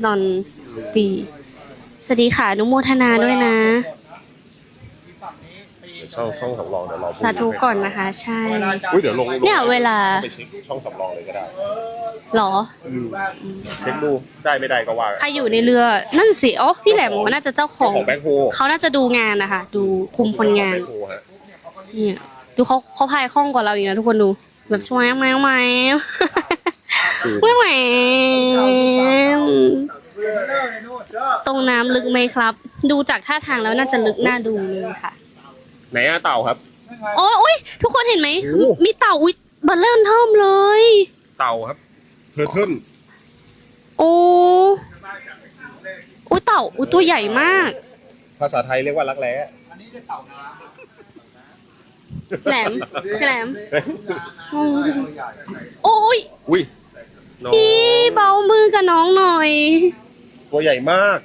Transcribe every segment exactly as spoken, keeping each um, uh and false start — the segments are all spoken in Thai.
ดอนตีสวัสดีค่ะอนุโมทนาด้วยนะช่องช่องสำรองเดี๋ยวรอสาธุก่อนนะคะใช่อุ้ยเดี๋ยวลงเนี่ยเวลาไปเช็คช่องสำรองเลยก็ได้หรอเช็คดูได้ไม่ได้ก็ว่าใครอยู่ในเรือนั่นสิอ๋อพี่แหลมน่าจะเจ้าของแบ็คโฮเขาน่าจะดูงานนะคะดูคุมคนงานเนี่ยดูเขาเขาพายคล่องกว่าเราอีกนะทุกคนดูแบบช่วยแมวแมวแมวแมวตรงน้ำลึกไหมครับ ดูจากท่าทางแล้วน่าจะลึกน่าดูเลยค่ะไหนอะเต่าครับโอ้ยอุ้ยทุกคนเห็นไหมมีเต่าอุ้ยบัลเริ่มเทิมเลยเต่าครับเทอร์เทิลโอ้อุ้ยเต่าอุ้ยตัวใหญ่มากภาษาไทยเรียกว่ารักแร้แหลมแหลมโอ้ยอุ้ยพี่เบามือกับน้องหน่อยตัวใหญ่มาก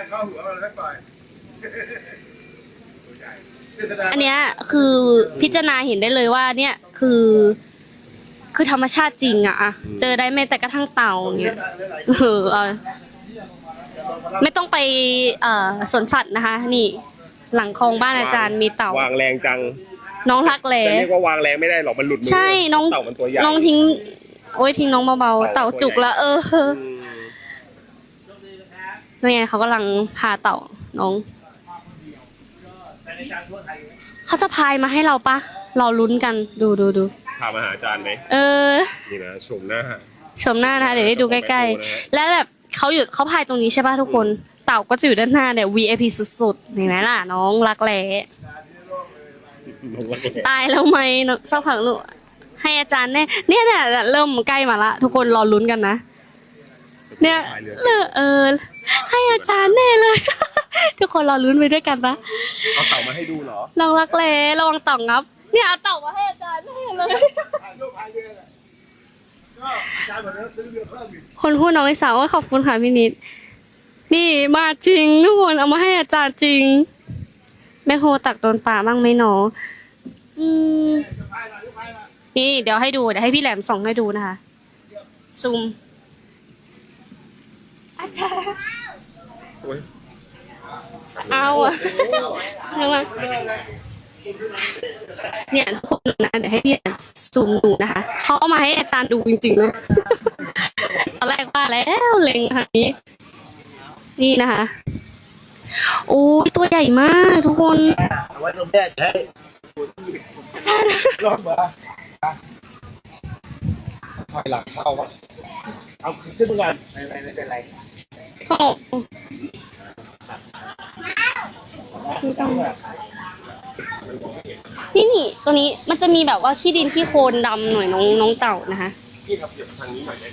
อันเนี้ยคือพิจารณาเห็นได้เลยว่าเนี่ยคือคือธรรมชาติจริงอะอะเจอได้แม้แต่กระทั่งเต่าเงี้ยเออเออไม่ต้องไปเอ่อสวนสัตว์นะคะนี่หลังคลองบ้านอาจารย์มีเต่าวางแรงจังน้องรักแหล่จะเรียกว่าวางแรงไม่ได้หรอกมันหลุดมือใช่น้องเต่ามันตัวใหญ่น้องทิ้งโอ้ยทิ้งน้องเบาๆเต่าจุกละเออนี่ไงเขากำลังพาเต่าน้องเขาจะพายมาให้เราปะเราลุ้นกันดูดูดูพามาหาอาจารย์ไหมเออนี่นะชมหน้าชมหน้านะคะเดี๋ยวได้ดูใกล้ๆและแบบเขาอยู่เขาพายตรงนี้ใช่ป่ะทุกคนเต่าก็จะอยู่ด้านหน้าเนี่ย วี ไอ พี สุดๆเห็นไหมล่ะน้องรักแร้ตายแล้วไหมสักพักลูกให้อาจารย์แน่เนี่ยเนี่ยเริ่มใกล้มาละทุกคนรอลุ้นกันนะเนี่ยเออให้อาจารย์แน่เลยทุกคนรอลุ้นไปด้วยกันนะเอาเต่ามาให้ดูเหรอลองรักแร้ระวังต่องครับเนี่ยเอาเต่ามาให้อาจารย์แน่เลยคนพูดน้องลิสาว่าขอบคุณค่ะพี่นิดนี่มาจริงทุกคนเอามาให้อาจารย์จริงแม่โฮตักโดนป่าบ้างไหมหนออืมนี่เดี๋ยวให้ดูเดี๋ยวให้พี่แหลมส่องให้ดูนะคะซูมอาจารย์เอาอะระวังเนี่ยทุกคนนะเดี๋ยวให้พี่ซูมดูนะคะเขาเอามาให้อาจารย์ดูจริงๆนะตอนแรกว่าแล้วเล็งทางนี้นี่นะคะโอ้ยตัวใหญ่มากทุกคนไว้ตรงแม่ให้อาจารย์รอดมาถอยหลังเข้าวะเอาขึ้นมาก่อนไม่ไม่ไม่เป็นไรก็คือต้องนี่นี่ตัวนี้มันจะมีแบบว่าขี้ดินขี้โคลนดำหน่อยน้องน้องเต่านะคะพี่ครับเดี๋ยวทางนี้หน่อยได้ไหม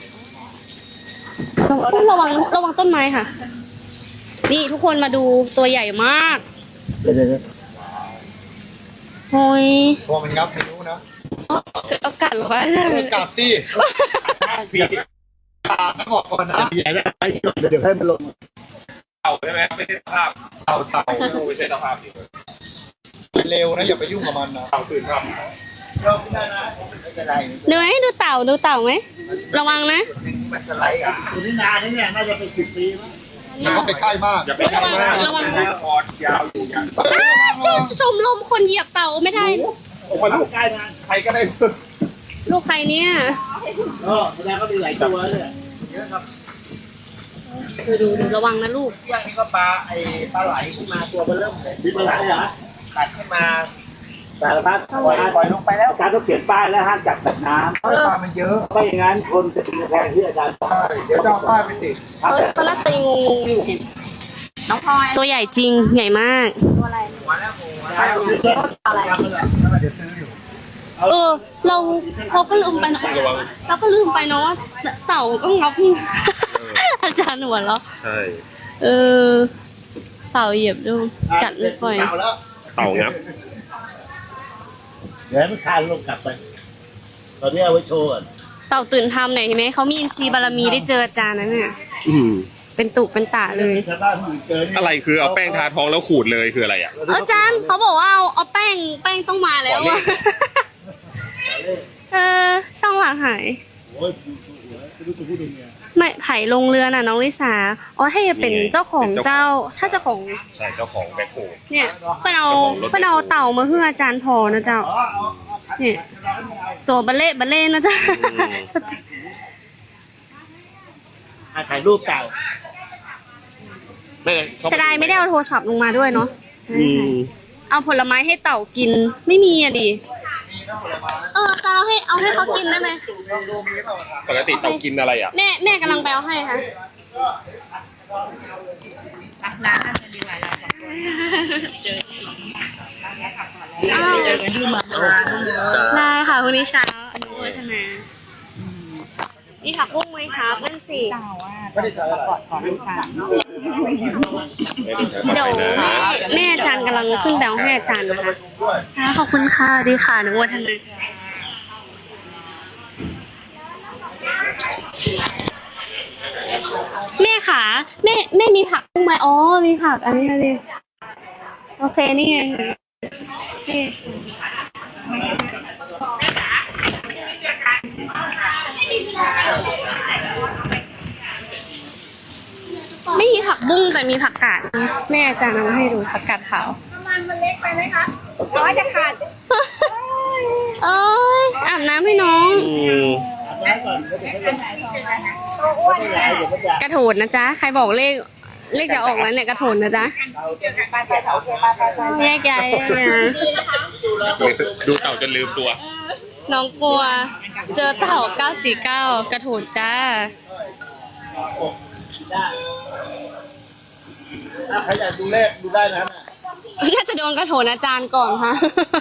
ระวังระวังต้นไม้ค่ะนี่ทุกคนมาดูตัวใหญ่มากเดี๋ยวเดี๋ยวโอ้ยพอมันงับไม่รู้นะเอากัดหรอวะกัดสิพี่ตาขอบก่อนนะอย่าได้ไปก่อนเดี๋ยวให้มันลงเต่าใช่ไหมไม่ใช่ภาพเต่าเต่าไม่ใช่ภาพดิเร็วนะอย่าไปยุ่งกับมันนะเต่าตื่นครับไม่ได้นะไม่เป็นไรดูไหมดูเต่าดูเต่าไหมระวังนะมันสไลด์อ่ะอยู่ที่นานนี่เนี่ยน่าจะเป็นสิบปีมั้งอย่าไปใกล้มากอย่าไปใกล้มากระวังนะคอยาวอยู่อย่างชมชมลมคนเหยียบเต่าไม่ได้โอ้โหลูกใกล้นะใครก็ได้ลูกใครเนี่ยเออแสดงก็มีหลายตัวเลยเยอะครับดูดูดูระวังนะลูกอย่างนี้ก็ปลาไอ้ปลาไหลขึ้นมาตัวมันเริ่มมีปลาไหลเหรอตัดขึ้นมาสารพัดปล่อยปล่อยลงไปแล้วอาจารย์ต้องเขียนป้ายแล้วห้ามจับสัตว์น้ำปลามันเยอะไม่อย่างนั้นคนจะกินแทนที่อาจารย์ใช่เดี๋ยวจะเอาป้ายไปติดตอนแรกตัวงงอยู่เห็นน้องพลอยตัวใหญ่จริงใหญ่มากตัวอะไรหัวแล้วหัวแล้วอะไรเดี๋ยวซื้ออยู่เออเราเราก็ลืมไปเนาะเราก็ลืมไปเนาะว่าเต่าก็งับอาจารย์หัวเราใช่เออเต่าเหยียบดูกัดไม่ปล่อยเต่างับเดี๋ยวให้มันคานลงกลับไปตอนนี้เอาไว้โชว์ก่อนเต่าตื่นทำหน่อยเห็นไหมเขามีอินทรีย์บารมีได้เจออาจารย์นั่นเนี่ยเป็นตุเป็นตาเลยอะไรคือเอาแป้งทาท้องแล้วขูดเลยคืออะไรอ่ะอาจารย์เขาบอกว่าเอาเอาแป้งแป้งต้องมาแล้วอะเออช่องหลังหายโอ้ยไม่รู้จะพูดยังไงไม่ไผ่ลงเรือน่ะน้องลิสาอ๋อถ้าจะเป็นเจ้าของเจ้า ถ้าเจ้าของใช่เจ้าของแบ็คโฮเนี่ยเพื่อนเอาเพื่อนเอาเต่ามาเพื่ออาจารย์พอนะเจ้าเนี่ยตัวบัลเล่บัลเล่นะเจ้าอ่ะถ่ายรูปเก่าไม่จะได้ไม่ได้เอาโทรศัพท์ลงมาด้วยเนาะอืมเอาผลไม้ให้เต่ากินไม่มีอะดิเออเอาให้เอาให้เขากินได้ไหมปกติเต่ากินอะไรอ่ะแม่แม่กำลังไปเอาให้ค่ะอ้าวเจอกันที่มามาได้ค่ะวันนี้เช้าอนุโมทนานี่ผักบุ้งไหมครับนั่นสิไม่ได้เจออะไรเดี๋ยวแม่แม่อาจารย์กำลังขึ้นแบลให้อาจารย์นะคะค่ะขอบคุณค่ะดีค่ะอนุโมทนาแม่ขาแม่แม่มีผักบุ้งไหมอ๋อมีผักอันนี้เลยโอเคนี่ไงนี่ไม่มีผักบุ้งแต่มีผักกาดนะแม่อาจารย์เอามาให้ดูผักกาดขาวประมาณมันเล็กไปไหมคะร้อยจะขาดเอ้ยอาบน้ำให้น้องอืมตัวอ้วนนะกระโถนนะจ๊ะใครบอกเลขเลขจะออกแล้วเนี่ยกระโถนนะจ๊ะไปไปโอเคไปไปไปแยกย้ายนะดูเต่าจนลืมตัวน้องกลัว เจอเต่าเก้าสี่เก้ากระโถนจ้าถ้าใครอยากดูเลขดูได้นะน่าจะโดนกระโถนอาจารย์ก่อนค่ะ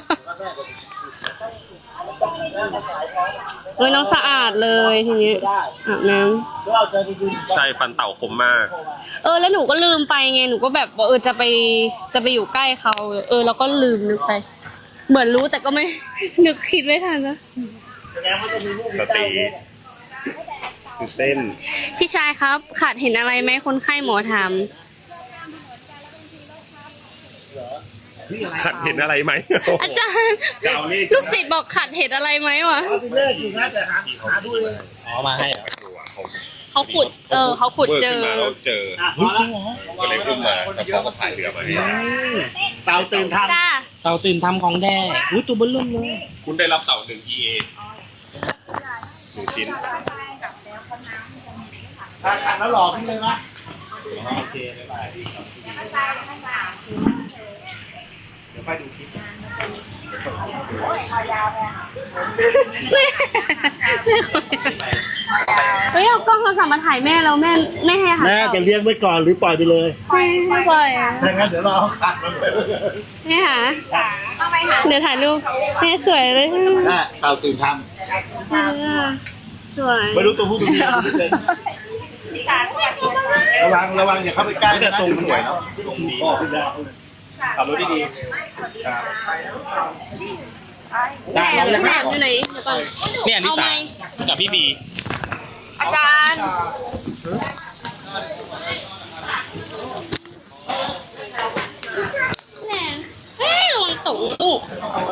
เฮ้ยน้องสะอาดเลยทีนี้อาบน้ำก็เอาใจไปดูใช่ฟันเต่าคมมากเออแล้วหนูก็ลืมไปไงหนูก็แบบว่าเออจะไปจะไปอยู่ใกล้เขาเออแล้วก็ลืมนึกไป เหมือนรู้แต่ก็ไม่ นึกคิดไม่ทันนะสติคือเต้นพี่ชายครับขาดเห็นอะไรไหมคนไข้หมอถามขัดเห็นอะไรไหมอาจารย์ลูกศิษย์บอกขาดเห็นอะไรไหมวะเอาไปเลขอยู่นะแต่หาหาดูเลยอ๋อมาให้เหรอเขาขุดเออเขาขุดเจอขึ้นมาแล้วเจออ่ะพอแล้วก็เลยขึ้นมาแล้วเขาก็พายเรือมาให้เต่าตื่นทำจ้าเต่าตื่นทำของแด้อุ้ยตัวเบิ้ลลุ่มเลยคุณได้รับเต่าหนึ่ง อี เอ หนึ่งชิ้นถ้าขัดแล้วหลอกขึ้นเลยนะโอเคบ๊ายบายเดี๋ยวไปดูคลิปเฮ้ยเอากล้องโทรศัพท์มาถ่ายแม่แล้วแม่ไม่ให้หันแม่จะเลี้ยงไว้ก่อนหรือปล่อยไปเลยไม่ไม่ปล่อยถ้างั้นเดี๋ยวรอเขาขัดมันเลยแม่หาเอาไปหาเดี๋ยวถ่ายรูปแม่สวยเลยได้เต่าตื่นทสวยำไม่รู้ตัวผู้ตัวเมียระวังระวังอย่าเข้าไปใกล้นะทรงสวยเนาะพ่อพี่ดาวขับรถดีแหนมแหนมอยู่ไหนเดี๋ยวก่อนเนี่ยลิเอาไหมสากับพี่บีอาจารย์แหนมเฮ้ยระวังตกลูก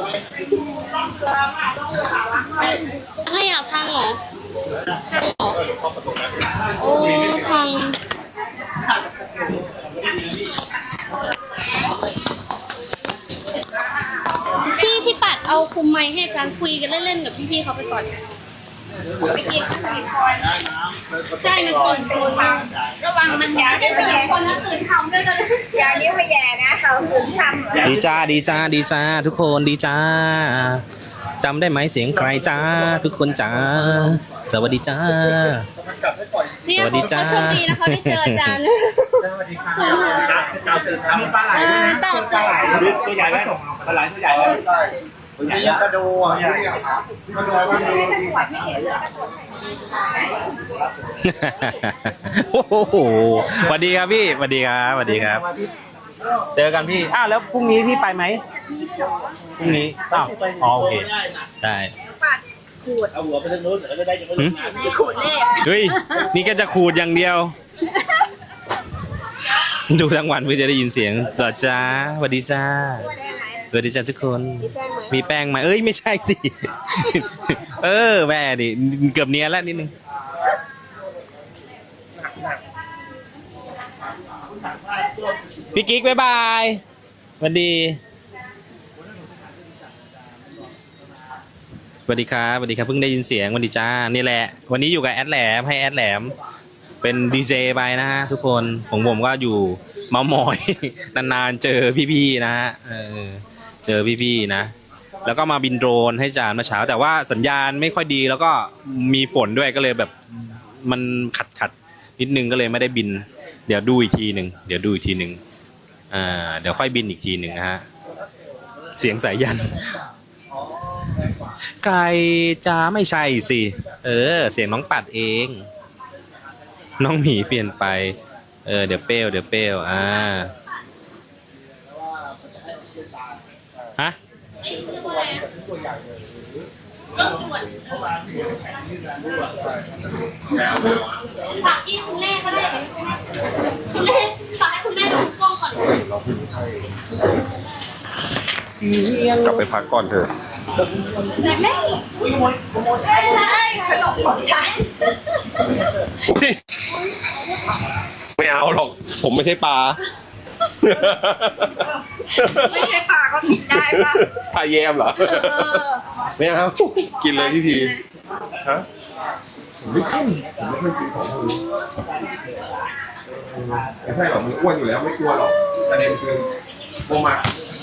อะไรอ่ะพังเหรอพังเหรอโอ้พังพี่พี่ปัดเอาคุมไมค์ให้อาจารย์คุยกันเล่นๆกับพี่ๆเขาไปก่อนไปกินกินคอยใช่มันตื่นตัวระวังมันยาวเดี๋ยวไปแย่คนนั้นตื่นทำด้วยกันยาวเดี๋ยวไปแย่นะเขาถึงทำดีจ้าดีจ้าดีจ้าทุกคนดีจ้าจำได้ไหมเสียงใครจ้าทุกคนจ้าสวัสดีจ้าเนี่ยสวัสดีจ้าเขาโชคดีนะเขาได้เจออาจารย์เต่าตื่นทำปลาไหลเออเต่าเต่าตัวใหญ่ไหมปลาไหลตัวใหญ่ไหมตัวใหญ่ยังกระโดดใหญ่กระโดดมันไม่ได้ตรวจไม่เห็นเลยตรวจโอ้โหสวัสดีครับพี่สวัสดีครับสวัสดีครับ เจอกันพี่อ้าวแล้วพรุ่งนี้พี่ไปไหมพรุ่งนี้อ้าวอ๋อโอเคได้เอาหัวไปทางโน้นแล้วจะได้จะไม่ลงน้ำขูดเลขเฮ้ยนี่ก็จะขูดอย่างเดียว ดูทั้งวันเพื่อจะได้ยินเสียงต่อจ้าสวัสดีจ้าสวัสดีจ้าทุกคน มีแป้งไหมเอ้ยไม่ใช่สิ เออแม่ดิเกือบเนียนแล้วนิดนึงพี่กิ๊กบ๊ายบายสวัสดีสวัสดีครับสวัสดีครับเพิ่งได้ยินเสียงสวัสดีจ้านี่แหละวันนี้อยู่กับแอดแหลมให้แอดแหลมเป็นดีเจไปนะฮะทุกคนของผมก็อยู่เมามอย นานๆเจอพี่ๆนะฮะเออเจอพี่ๆนะแล้วก็มาบินโดรนให้จานเมื่อเช้าแต่ว่าสัญญาณไม่ค่อยดีแล้วก็มีฝนด้วยก็เลยแบบมันขัดขัดนิดนึงก็เลยไม่ได้บินเดี๋ยวดูอีกทีหนึ่งเดี๋ยวดูอีกทีหนึ่งอ่าเดี๋ยวค่อยบินอีกทีหนึ่งนะฮะเสียงสายยันไก่จ้าไม่ใช่สิเออเสียงน้องปัดเองน้องหมีเปลี่ยนไปเออเดี๋ยวเปรี้ยวเดี๋ยวเปรี้ยวอ่าฮะฝากที่คุณแม่ก็ได้คุณแม่ฝากให้คุณแม่ดูกล้องก่อนกลับไปพักก่อนเถอะแม่ใช่ใช่ขนมของฉันไม่เอาหรอก ผมไม่ใช่ปลาไม่ใช่ปลาก็กินได้ป่ะปลาแยมเหรอ ไม่เอา กินเลยพี่พีฮะผมไม่กินผมไม่ค่อยกินของพวกนี้ไม่ใช่หรอกมันอ้วนอยู่แล้วไม่กลัวหรอกประเด็นคือโมมา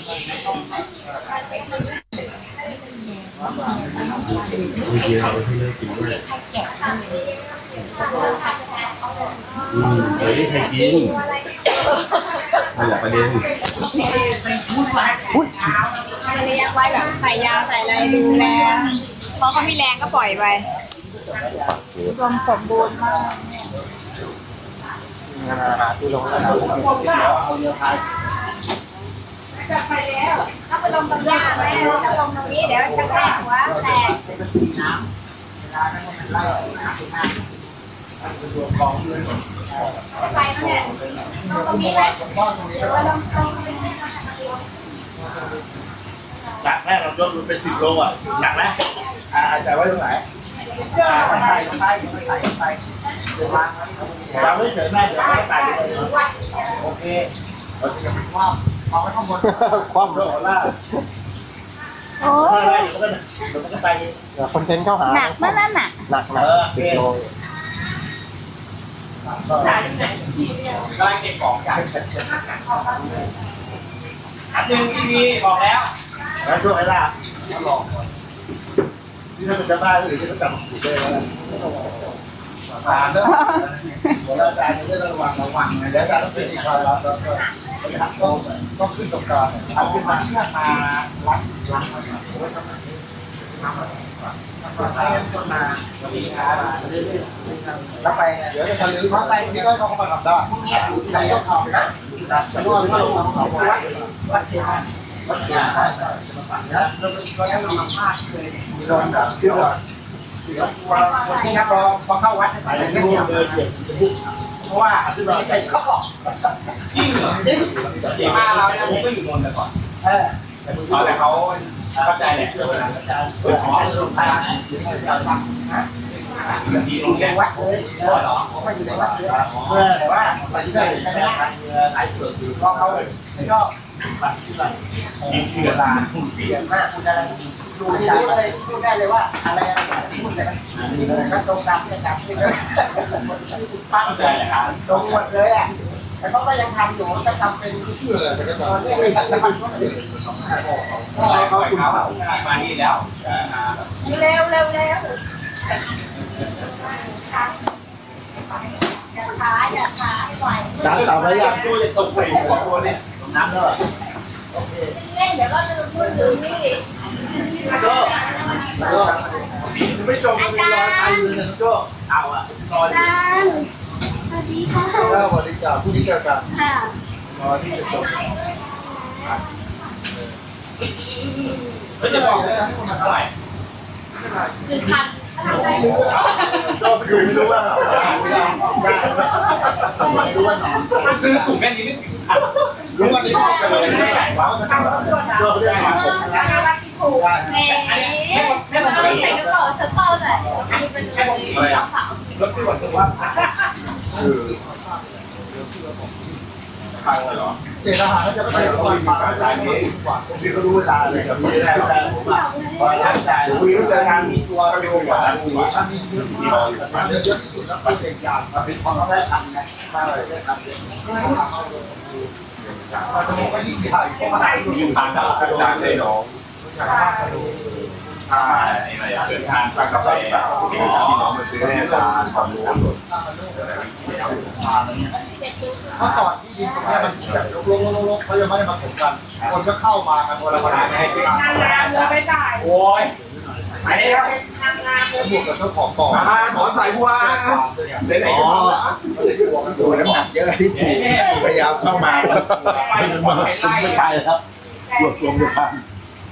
ไม่เกี่ยวที่ไม่กินด้วยอืมไม่ได้ใครกินนั่นแหละประเด็นเลี้ยงไว้แบบใส่ยาใส่อะไรดูแลพอเขามีแรงก็ปล่อยไปรวมสมบูรณ์มากไปแล้วถ้าไปลงตรงนี้ไหมถ้าลงตรงนี้เดี๋ยวจะแตกหัวแตกไปเนี่ยลงตรงนี้ไหมหรือว่าลงตรงนี้หนักแรกเรายกมันเป็นสิบโลอ่ะหนักแล้วอ่าแต่ว่าตรงไหนไปไปไปไปไปเราไม่เฉยแม่เดี๋ยวไม่ตายเลยโอเคเราจะยังไม่คว่ำเอาไว้ข้างบนคว่ำด้วยหัวล่าโอ้ยเดี๋ยวมันก็ไปคอนเทนต์เข้าหาหนักมากนั่นน่ะหนักหนักสิบโลได้เก็บของจากอันหนึ่งที่มีบอกแล้วแล้วช่วยให้ล่ะลองที่ถ้าจะได้หรือจะจำถูกได้แล้วผ่านแล้วหัวหน้าการจะได้ระวังระวังนะแล้วการต้องเป็นอีกคอยรับแล้วก็ต้องต้องขึ้นตรงกลางทำขึ้นมาเพื่อมารับรับมาไว้ทำไมทำมาให้คนมาวันนี้ครับแล้วไปเดี๋ยวจะทะลึ่งเขาไปนี่ก็เขามาทำได้ไหนก็ทำนะแต่ว่าไม่ต้องทำเขาวัดวัดเทียนวัดเทียนได้แล้วก็ยังมีภาพเลยโดนแบบเชื่อคนที่นักร้องพอเข้าวัดไปเลยไม่เลยเพราะว่าคือเราใจชอบจริงเหรอจริงมาเราเนี่ยผมก็อยู่นนท์แต่ก่อนเออแต่เขาเข้าใจแหละเชื่อว่าอาจารย์เปิดหอลงทางการฟังนะมีโรงเรียนวัดเลยเออหรอไม่อยู่ในวัดเลยเออแต่ว่าไปที่ไหนใช่ไหมไอ้เสือคือก็เขาแล้วก็บัตรที่แบบมีเชื่อลาคุณเสียมากคุณอะไรดูได้เลยพูดได้เลยว่าอะไรอะไรที่พูดแต่ก็ตรงตามที่อาจารย์พูดเลยตั้งใจนะครับตรงหมดเลยอ่ะแต่เขาก็ยังทำอยู่ก็ทำเป็นเชื่อแต่ก็ตอนนี้ไม่ทันจะมันเขาเขาเขามานี่แล้วเร็วเร็วเร็วอย่าช้าอย่าช้าให้ไหวจานต่อไปยังตู้จะตกไปสองตัวเนี่ยน้ำแล้วโอเคเล่นเดี๋ยวเราจะพูดถึงนี่ก็ก็ไม่ชมมีรอยไทยเลยนะก็เอาอ่ะรอยจ้าสวัสดีค่ะก็บริจาคผู้ที่เกี่ยวกับค่ะรอยที่จะจบไม่จะบอกเลยนะมันเท่าไหร่หนึ่งพันก็คือไม่รู้ว่าไม่รู้ว่าไม่ซื้อถุงแค่นี้ไม่ถึงพันรู้ว่านี้ก็เลยไม่ได้ว่าจะทำก็เรื่องมาผมนะแม่แม่ผมใส่กระเป๋าสตอร์หน่อยเป็นกระเป๋าขาวรถที่วันตัวว่าฟังเลยเหรอเจตนาเขาจะไม่ได้ความฝันอะไรนี้ผมพี่เขารู้ตาเลยกับพี่ได้แต่ผมอ่ะพอตั้งใจคุยก็เจอการมีตัวเร็วกว่าถ้ามีเยอะที่เราเยอะที่สุดแล้วเป็นเด็กยากเป็นความได้ทันไงใช่ได้ทันเลยเราจะมองว่ายิ่งใหญ่เพราะว่ายิ่งผ่านจากอาจารย์ได้น้องใช่อะไรอ่ะเดินทางไปกาแฟที่น้องมาซื้อให้อาจารย์ความรู้เมื่อก่อนที่ดินตรงนี้มันแบบลกๆๆเขายังไม่ได้มาถมกันคนก็เข้ามากันคนละคนให้งานงานเลยไม่ได้โอ้ยไอ้ครับงานงานเลยบวกกับเจ้าของต่อมาขอสายบัวเดี๋ยวไหนจะทำล่ะดูน้ำหนักเยอะที่พยายามเข้ามาไม่ใช่แล้วรวบรวมด้วยกัน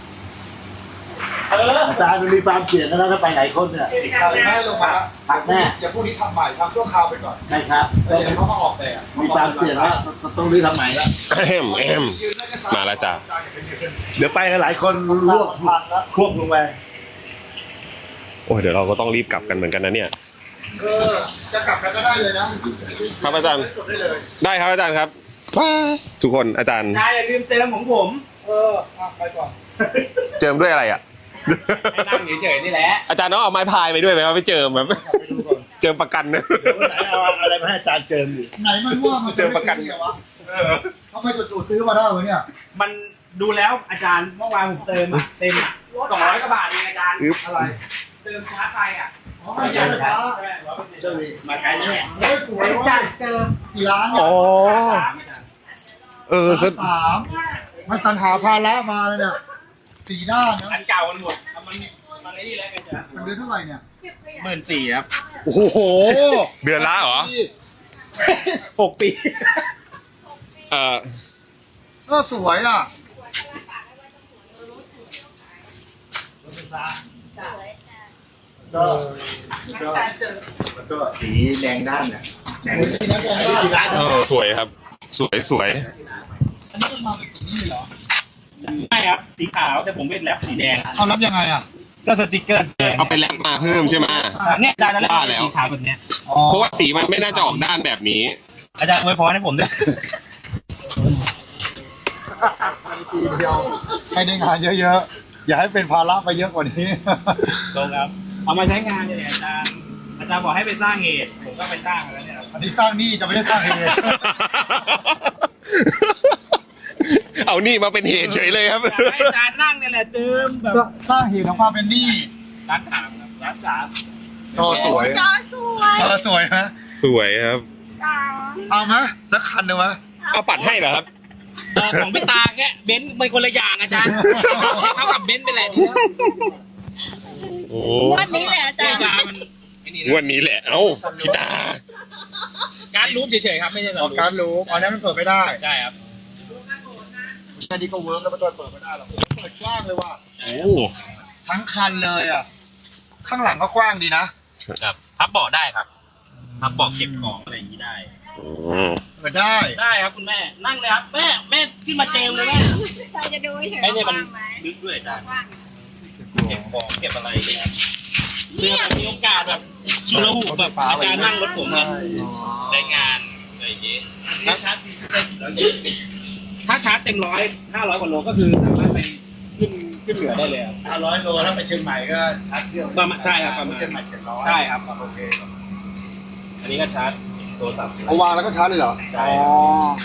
อาจารย์มีความเสี่ยงนะถ้าไปไหนคนเนี่ยแม่ลงมาผักแม่อย่าพูดนี้ทำใหม่ทำชั่วคราวไปก่อนใช่ครับเดี๋ยวเขามาออกแต่มีความเสี่ยงแล้วต้องรีบทำใหม่แล้วแอมแอมมาแล้วจ้าเดี๋ยวไปกันหลายคนรวบควบลงไปโอ้ยเดี๋ยวเราก็ต้องรีบกลับกันเหมือนกันนะเนี่ยเออจะกลับกันก็ได้เลยนะครับอาจารย์ได้ครับอาจารย์ครับทุกคนอาจารย์นายอย่าลืมเติมของผมเออไปก่อนเจิมด้วยอะไรอ่ะให้นั่งเฉยๆนี่แหละอาจารย์ต้องเอาไม้พายไปด้วยไหมครับไปเจิมแบบเจิมประกันนะไหนเอาอะไรมาให้อาจารย์เจิมอยู่ไหนมันว่ามันเจอประกันไงวะเขาไม่จู่ๆซื้อมาได้เหรอเนี่ยมันดูแล้วอาจารย์เมื่อวานผมเติมอะเต็มอะสองร้อยกว่าบาทเองอาจารย์อะไรเติมชาร์จไฟอ่ะอ๋อไม่ใช่ไฟฟ้าเจ้ามาไกลแล้วเนี่ยเฮ้ยสวยว่ะเจอกี่ร้านเนี่ยอ๋อเออสามมาสรรหาภาระมาเลยเนี่ยสี่ด้านนะอันเก่ามันหมดมันมันไอ้นี่แล้วกันจ้ะเป็นเดือนเท่าไหร่เนี่ยหมื่นสี่ครับโอ้โหเดือนละเหรอหกปีเออก็สวยอ่ะ ก็ก็สีแดงด้านเนี่ยแดงด้านเออสวยครับ สวยสวยอันนี้มันมาเป็นสีนี้เหรอไม่ครับสีขาวแต่ผมเป็นแรปสีแดงเอารับยังไงอ่ะก็สติกเกอร์แดงเอาไปแลกมาเพิ่มใช่ไหมเนี่ยอาจารย์นั่นแหละว่าแล้วสีขาวแบบเนี้ยเพราะว่าสีมันไม่น่าจะออกด้านแบบนี้อาจารย์อวยพรให้ผมด้วยให้ได้งานเยอะๆ อย่าให้เป็นภาระไปเยอะกว่านี้ตรงครับ เอามาใช้งานเนี่ยอาจารย์ อาจารย์บอกให้ไปสร้างเหตุ ผมก็ไปสร้างแล้วเนี่ยอันนี้สร้างหนี้จะไม่ได้สร้างเหตุเอานี่มาเป็นเหตุเฉยเลยครับอยากให้อาจารย์นั่งเนี่ยแหละเจิมแบบสร้างเหตุของความเป็นหนี้ร้านถามครับร้านสามจอสวยจอสวยจอสวยฮะสวยครับจ้าเอาไหมสักคันหนึ่งไหมเอาปัดให้เหรอครับเอ่อของพี่ตาแค่เบนซ์เป็นคนละอย่างอาจารย์เขากับเบนซ์ไปแหละโอ้วันนี้แหละอาจารย์อาจารย์มันไอ้นี่งนะวันนี้แหละ เอ้าพี่ตาการรูปเฉยๆครับไม่ใช่สออกรุปการรู้อันนี้มันเปิดไม่ได้ใช่ครับอันนี้ก็เวิร์กแล้วมันเปิดไม่ได้หรอกเปิดกว้างเลยว่ะโอ้ทั้งคันเลยอ่ะ ข้างหลังก็กว้างดีนะครับพับเบาะได้ครับพับเบาะเก็บของอะไรอย่างนี้ได้เปิดได้ได้ครับคุณแม่นั่งเลยครับแม่แม่ขึ้นมาเจมเลยแม่เราจะดูเฉยไอ้เนี่ยๆมันว่างไหมลึกด้วยอาจารย์ว่างเก็บของเก็บอะไรอย่างเงี้ยเพื่อมีโอกาสแบบชิลหูแบบอาจารย์นั่งรถผมเนี่ยได้งานอะไรอย่างงี้แล้วชาร์จเต็มแล้วถ้าชาร์จเต็มร้อยห้าร้อยกว่าโลก็คือสามารถไปขึ้นขึ้นเหนือได้เลยครับห้าร้อยโลถ้าไปเชียงใหม่ก็ชาร์จเครื่องประมาณใช่ครับประมาณเชียงใหม่เจ็ดร้อยใช่ครับโอเคอันนี้ก็ชาร์จโทรศัพท์เอาวางแล้วก็ชาร์จเลยเหรอใช่อ๋อ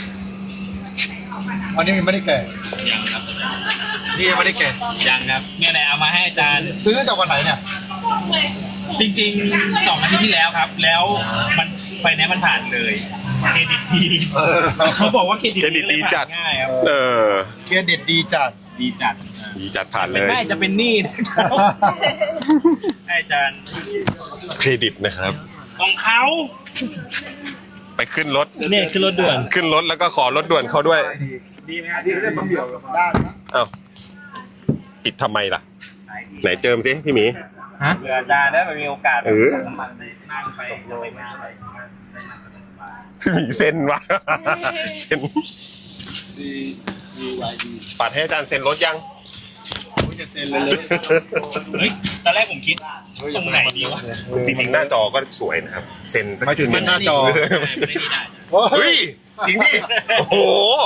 อันนี้มันไม่ได้แก่ยังครับนี่ยังไม่ได้แก่ยังครับเนี่ยแหละเอามาให้อาจารย์ซื้อจากวันไหนเนี่ยจริงๆสองอาทิตย์ที่แล้วครับ แล้วมันไฟแนนซ์มันผ่านเลยเครดิตดีเออเขาบอกว่าเครดิตเครดิตดีจัดง่ายครับเออเครดิตดีจัดดีจัดดีจัดผ่านเลเป็นยแม่จะเป็นหนี้นะครับให้อาจารย์เครดิตนะครับของเขาไปขึ้นรถเนี่ยคือรถด่วนขึ้นรถแล้วก็ขอรถด่วนเขาด้วยดีไหมครับดีได้บางเดียวกับด้านนะเอ้าปิดทำไมล่ะ ไหนเจิมสิพี่หมีฮะเผื่ออาจารย์ได้มีโอกาสเออน้ำมันไปนั่งไปไปงานไปพี่หมีเซ็นวะเซ็นดีดีไวดีปัดให้อาจารย์เซ็นรถยังจะเซ็นเลยเลยเฮ้ยตอนแรกผมคิดตรงไหนดีวะจริงๆหน้าจอก็สวยนะครับเซ็นสักไม่ถึงเซ็นหน้าจอไม่ได้ไม่ได้เฮ้ยจริงดิโอ้โห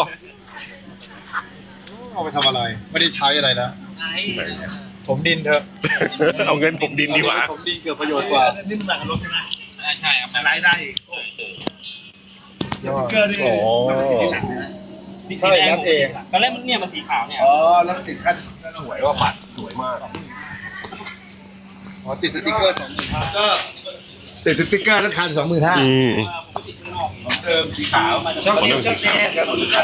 เอาไปทำอะไรไม่ได้ใช้อะไรนะใช่ผมดินเถอะเอาเงินผมดินดีกว่าผมดินเกิดประโยชน์กว่านี่มันหนักรถใช่ไหมใช่ครับสไลด์ได้เกิดโอ้ใช่รับเองตอนแรกมันเนี่ยมันสีขาวเนี่ยอ๋อแล้วติดขั้นสวยว่าปัดสวยมากอ๋อติดสติ๊กเกอร์สองหมื่นห้าก็ติดสติ๊กเกอร์ทั้งคันสองหมื่นห้าอืมเดิมสีขาวชอบเล่นชอบแน่ครับ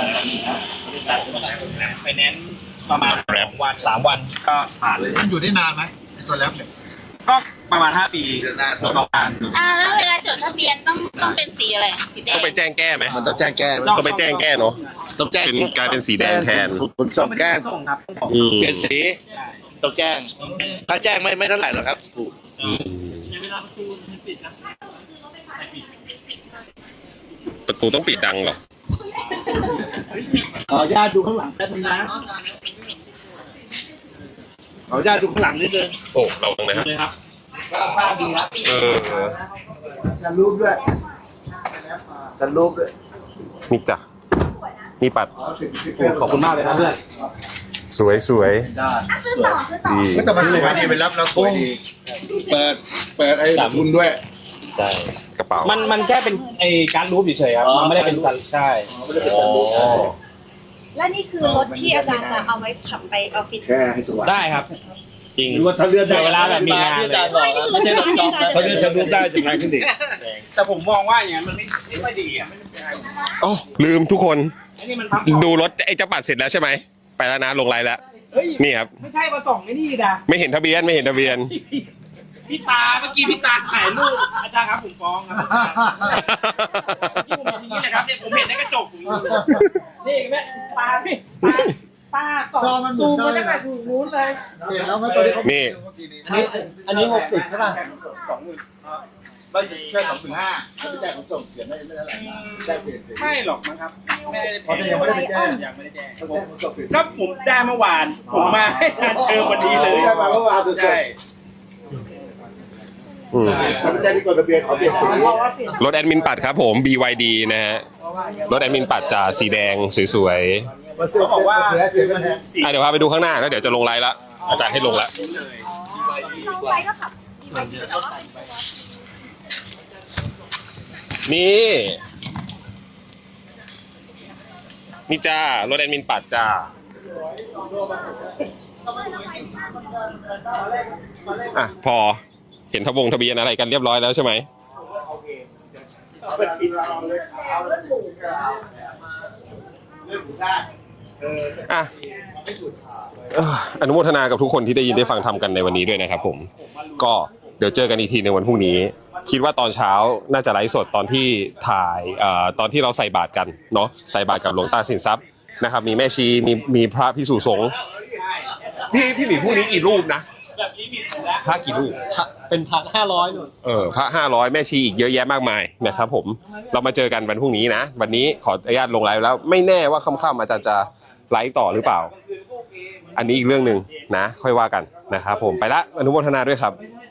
ไปแนนซ์ประมาณวันสามวันก็ผ่านเลยมันอยู่ได้นานไหมไอ้ตัวแรปเนี่ยก็ประมาณห้าปีนานประมาณอ่าแล้วเวลาจดทะเบียนต้องต้องเป็นสีอะไรสีแดต้อง งไปแจ้งแก้ไหมมันต้องแจ้งแก้ต้องไปแจ้งแก้เนาะต้องแจ้งเป็นกลายเป็นสีแดงแทนขนส่งแจ้งส่งครับอืมเปลี่ยนสีต้องแจ้งถ้าแจ้งไม่ไม่เท่าไหร่หรอกครับถูกอืมเวลาประตูมันปิดนะประตูต้องปิดดังเหรอขออนุญาตดูข้างหลังแป๊บนึงนะขออนุญาตดูข้างหลังนิดนึงโอ้เราตรงไหนฮะเลยครับภาพดีครับเออสันรูปด้วยสันรูปด้วยนี่จ้ะนี่ปัดขอบคุณมากเลยนะเพื่อนสวยสวยได้ดีไม่แต่มันสวยดีไปรับแล้วสวยดีเปิดเปิดไอ้ทุนด้วยใช่กระเป๋ามันมันแค่เป็นไอการรูปเฉยๆครับ มันไม่ได้เป็นสันใช่อ๋อและนี่คือรถที่อาจารย์จะเอาไว้ขับไปออฟฟิศแค่ให้สว่างได้ครับจริงหรือว่าถ้าเลื่อนได้เวลาแบบมีงานเลยไม่ใช่รถที่อาจารย์ถ้าเลื่อนสันรูปได้จะแพงขึ้นอีกแต่ผมมองว่าอย่างนั้นมันไม่ไม่ค่อยดีอ่ะอ๋อลืมทุกคนไอ้นี่มันพับดูรถไอ้เจ้าปัดเสร็จแล้วใช่ไหมไปแล้วนะลงไลน์แล้วเฮ้ยนี่ครับไม่ใช่มาส่องไอ้นี่นะไม่เห็นทะเบียนไม่เห็นทะเบียนพี่ตาเมื่อกี้พี่ตาถ่ายรูปอาจารย์ครับผมฟ้องครับที่ผมอย่างนี้แหละครับเนี่ยผมเห็นในกระจกผมนี่แม่ตาพี่ตาตาส่องซูมมาตั้งแต่ถูกนู้นเลยเห็นแล้วไหมตอนนี้เขานี่อันนี้อันนี้หกสิบใช่ป่ะสองหมื่นไม่แค่สองหมื่นห้าถ้าไม่จ่ายขนส่งเสียไม่ไม่เท่าไหร่นะได้เปลี่ยนสีไม่หรอกมั้งครับไม่ได้เพราะยังไม่ได้ไปแจ้งยังไม่ได้แจ้งต้องแจ้งขนส่งเปลี่ยนก็ผมได้เมื่อวาน ผมมาให้อาจารย์เชิญวันนี้เลยได้มาเมื่อวานดูสิใช่อืมถ้าไม่ได้ที่กดทะเบียนขอเปลี่ยนสีรถแอดมินปัดครับผม บี วาย ดี นะฮะรถแอดมินปัดจะสีแดงสวยมาเสียเขาบอกว่าเสียเสียกันแทนๆอ่ะเดี๋ยวพาไปดูข้างหน้าแล้วเดี๋ยวจะลงไลน์ละอาจารย์ให้ลงละนี่ นี่จ้ารถแอดมินปัดจ้าอ่ะพอเห็นทะบงทะเบียนอะไรกันเรียบร้อยแล้วใช่ไหมอ่ะเอ่ออนุโมทนากับทุกคนที่ได้ยินได้ฟังทำกันในวันนี้ด้วยนะครับผมก็เดี๋ยวเจอกันอีกทีในวันพรุ่งนี้ คิดว่าตอนเช้าน่าจะไลฟ์สดตอนที่ถ่ายเอ่อตอนที่เราใส่บาตรกันเนาะใส่บาตรกับหลวงตาสินทรัพย์นะครับมีแม่ชีมีมีพระพิสุสงฆ์พี่พี่หมีพรุ่งนี้กี่รูปนะแบบนี้ผิดแล้วพระกี่รูปเป็นพันห้าร้อยหนุนเออพระห้าร้อยแม่ชีอีกเยอะแยะมากมายนะครับผมเรามาเจอกันวันพรุ่งนี้นะวันนี้ขออนุญาตลงไลฟ์แล้วไม่แน่ว่าค่ำๆอาจารย์จะไลฟ์ต่อหรือเปล่า อันนี้อีกเรื่องหนึ่งนะ ค่อยว่ากันนะครับผมไปละอนุโมทนาด้วยครับค